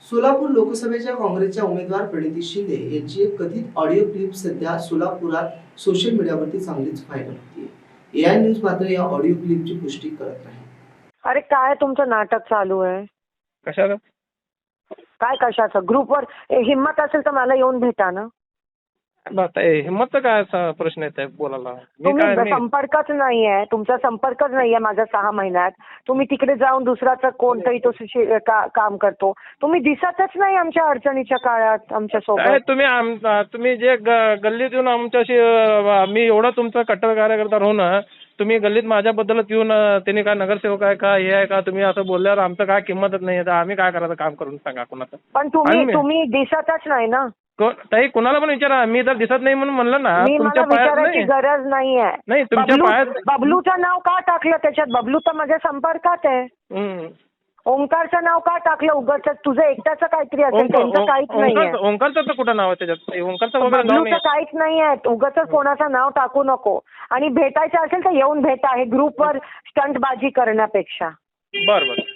सोलापूर लोकसभेच्या काँग्रेसच्या उमेदवार प्रणिती शिंदे यांची एक कथित ऑडिओ क्लिप सध्या सोलापुरात सोशल मीडियावरती चांगलीच व्हायरल होतीये। एआय न्यूज मात्र या ऑडिओ क्लिपची पुष्टी करत नाही। अरे काय तुमचं नाटक चालू आहे? कशाला? काय कशाचं? ग्रुपवर हिम्मत असेल तर मला येऊन भेटा ना। हिंमतचा काय असा प्रश्न येत आहे बोलायला? तुम्ही संपर्कच नाहीये, तुमचा संपर्कच नाहीये माझा 6 महिन्यात। तुम्ही तिकडे जाऊन दुसराचा कोणतरी तो काम करतो। तुम्ही दिसतच नाही आमच्या अडचणीच्या काळात आमच्या सोबत। तुम्ही जे गल्लीत येऊन आमच्याशी मी एवढा तुमचा कट्टर कार्यकर्ता राहून तुम्ही गल्लीत माझ्याबद्दलच येऊन त्यांनी काय नगरसेवक आहे का हे आहे का तुम्ही असं बोलल्यावर आमचं काय किंमतच नाही आहे, आम्ही काय करायचं काम करून सांगा कुणाचं? पण तुम्ही दिसतच नाही ना। ताई कुणाला पण विचारा, मी जर दिसत नाही म्हणून म्हणलं ना तुमच्या विचारायची गरज नाहीये। नाही तुमच्या पायात बबलूचं नाव का टाकलं त्याच्यात? बबलू तर माझ्या संपर्कात आहे। ओंकारचं नाव का टाकलं उगाच? तुझं एकट्याचं काहीतरी असेल, त्यांचं काहीच नाहीये। ओंकारचं तर कुठं नाव आहे त्याच्यात? ओंकारचं वगैरे नाव नाही, बबलूचं काहीच नाहीये। उगाच कोणाचं नाव टाकू नको। आणि भेटायचं असेल तर येऊन भेटा, हे ग्रुपवर स्टंटबाजी करण्यापेक्षा। बरं